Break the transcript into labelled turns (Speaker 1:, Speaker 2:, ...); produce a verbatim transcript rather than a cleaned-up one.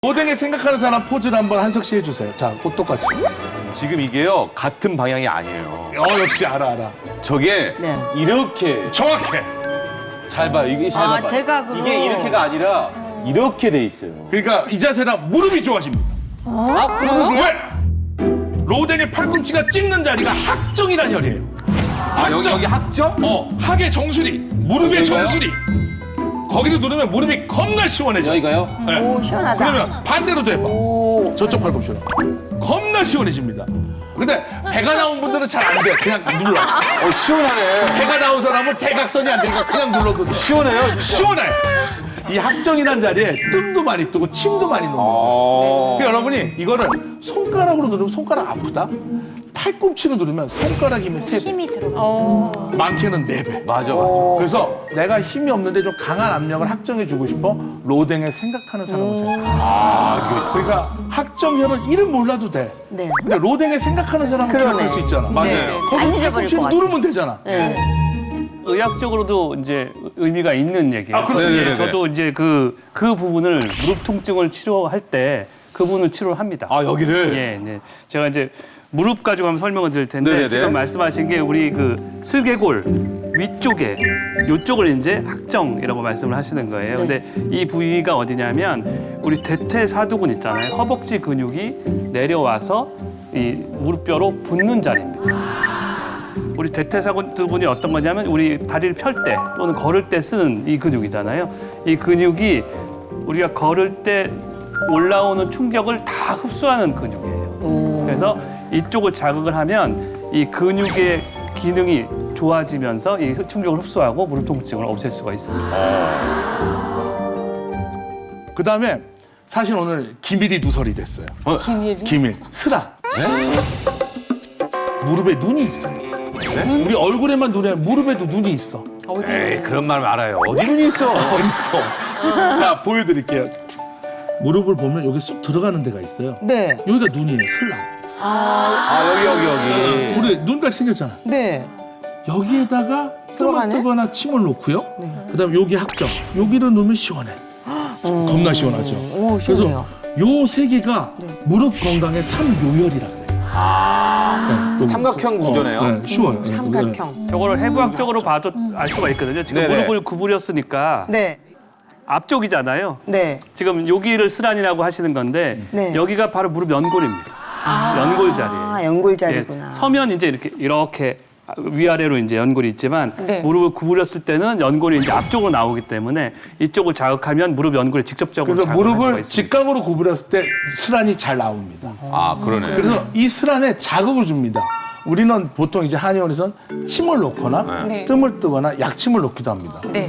Speaker 1: 로댕에 생각하는 사람 포즈를 한번 한석 씨 해주세요. 자, 꼭 똑같이.
Speaker 2: 지금 이게요 같은 방향이 아니에요.
Speaker 1: 어, 역시 알아, 알아.
Speaker 2: 저게
Speaker 3: 네.
Speaker 2: 이렇게
Speaker 1: 정확해.
Speaker 2: 잘 봐요. 이게 잘
Speaker 3: 아,
Speaker 2: 봐봐요.
Speaker 3: 대각으로.
Speaker 2: 이게 이렇게가 아니라 이렇게 돼 있어요.
Speaker 1: 그러니까 이 자세라 무릎이 좋아집니다.
Speaker 3: 아, 그래요?
Speaker 1: 왜? 로댕의 팔꿈치가 찍는 자리가 학정이란 혈이에요.
Speaker 2: 아, 여기 여기 학정?
Speaker 1: 어, 학의 정수리, 무릎의
Speaker 2: 여기가요?
Speaker 1: 정수리. 거기를 누르면 무릎이 겁나 시원해져.
Speaker 2: 여기가요?
Speaker 1: 네.
Speaker 3: 오, 시원하다.
Speaker 1: 그러면 반대로도 해봐.
Speaker 3: 오.
Speaker 1: 저쪽 팔꿈치로. 겁나 시원해집니다. 근데 배가 나온 분들은 잘 안 돼. 그냥 눌러.
Speaker 2: 어 시원하네.
Speaker 1: 배가 나온 사람은 대각선이 안 되니까 그냥 눌러도 돼.
Speaker 2: 시원해요. 진짜.
Speaker 1: 시원해. 이 학정이란 자리에 뜸도 많이 뜨고 침도 많이 녹는 거죠.
Speaker 2: 어.
Speaker 1: 그러니까 여러분이 이거를 손가락으로 누르면 손가락 아프다? 팔꿈치로 누르면 손가락 힘의 세 배,
Speaker 4: 힘이 들어가.
Speaker 1: 많게는 네 배.
Speaker 2: 맞아 맞아.
Speaker 1: 그래서 내가 힘이 없는데 좀 강한 압력을 학정해주고 싶어? 로댕에 생각하는 사람을 생각해.
Speaker 2: 아,
Speaker 1: 그러니까 학정혈은 이름 몰라도 돼.
Speaker 3: 네.
Speaker 1: 근데 로댕에 생각하는 사람은
Speaker 3: 그러네.
Speaker 1: 기억할 수 있잖아.
Speaker 2: 맞아요.
Speaker 3: 네. 안
Speaker 1: 거기
Speaker 3: 잊어버릴
Speaker 1: 팔꿈치로
Speaker 3: 것 같아.
Speaker 1: 누르면 되잖아.
Speaker 3: 네.
Speaker 5: 의학적으로도 이제 의미가 있는 얘기예요.
Speaker 1: 아, 그렇습니다.
Speaker 5: 예, 저도 이제 그, 그 부분을 무릎 통증을 치료할 때 그 부분을 치료를 합니다.
Speaker 2: 아 여기를.
Speaker 5: 예, 네. 제가 이제 무릎 가지고 한번 설명을 드릴 텐데
Speaker 2: 네네네.
Speaker 5: 지금 말씀하신 게 우리 그 슬개골 위쪽에 요쪽을 이제 학정이라고 말씀을 하시는 거예요. 근데 이 부위가 어디냐면 우리 대퇴사두근 있잖아요. 허벅지 근육이 내려와서 이 무릎뼈로 붙는 자리입니다. 우리 대퇴사두근이 어떤 거냐면 우리 다리를 펼 때 또는 걸을 때 쓰는 이 근육이잖아요. 이 근육이 우리가 걸을 때 올라오는 충격을 다 흡수하는 근육이에요. 그래서 이쪽을 자극을 하면 이 근육의 기능이 좋아지면서 이 충격을 흡수하고 무릎 통증을 없앨 수가 있습니다.
Speaker 1: 그 다음에 사실 오늘 기밀이 누설이 됐어요.
Speaker 4: 기밀이?
Speaker 1: 기밀. 스라. 무릎에 눈이 있어요.
Speaker 2: 네?
Speaker 1: 우리 얼굴에만 눈이 아니라 무릎에도 눈이 있어.
Speaker 4: 어디?
Speaker 2: 에이 그런 말 말아요. 어디 눈이 있어?
Speaker 1: 어, 있어. 자, 보여드릴게요. 무릎을 보면 여기 쑥 들어가는 데가 있어요.
Speaker 3: 네.
Speaker 1: 여기가 눈이에요, 슬라.
Speaker 2: 아 여기 여기 여기.
Speaker 1: 우리 눈같이 생겼잖아.
Speaker 3: 네.
Speaker 1: 여기에다가 뜸을
Speaker 3: 들어가네?
Speaker 1: 뜨거나 침을 놓고요. 그다음에 여기 학정. 여기를 놓으면 시원해. 겁나 시원하죠.
Speaker 3: 오, 시원해요.
Speaker 1: 그래서 요 세 개가 무릎 건강의 삼요혈이라고 해요. 아, 네,
Speaker 2: 삼각형 구조네요.
Speaker 1: 어, 네, 쉬워요. 네,
Speaker 3: 삼각형.
Speaker 5: 저거를 해부학적으로 봐도 알 수가 있거든요. 지금
Speaker 2: 네네.
Speaker 5: 무릎을 구부렸으니까
Speaker 3: 네.
Speaker 5: 앞쪽이잖아요.
Speaker 3: 네.
Speaker 5: 지금 여기를 스란이라고 하시는 건데
Speaker 3: 네.
Speaker 5: 여기가 바로 무릎 연골입니다. 연골 자리예요.
Speaker 3: 아, 연골 자리구나.
Speaker 5: 예, 서면 이제 이렇게 이렇게 위아래로 이제 연골이 있지만
Speaker 4: 네.
Speaker 5: 무릎을 구부렸을 때는 연골이 이제 앞쪽으로 나오기 때문에 이쪽을 자극하면 무릎 연골이 직접적으로
Speaker 1: 그래서
Speaker 5: 자극할 수가
Speaker 1: 무릎을
Speaker 5: 있습니다.
Speaker 1: 직각으로 구부렸을 때 슬란이 잘 나옵니다.
Speaker 2: 아 그러네.
Speaker 1: 그래서 이 슬란에 자극을 줍니다. 우리는 보통 이제 한의원에선 침을 놓거나
Speaker 4: 네.
Speaker 1: 뜸을 뜨거나 약침을 놓기도 합니다.
Speaker 4: 네.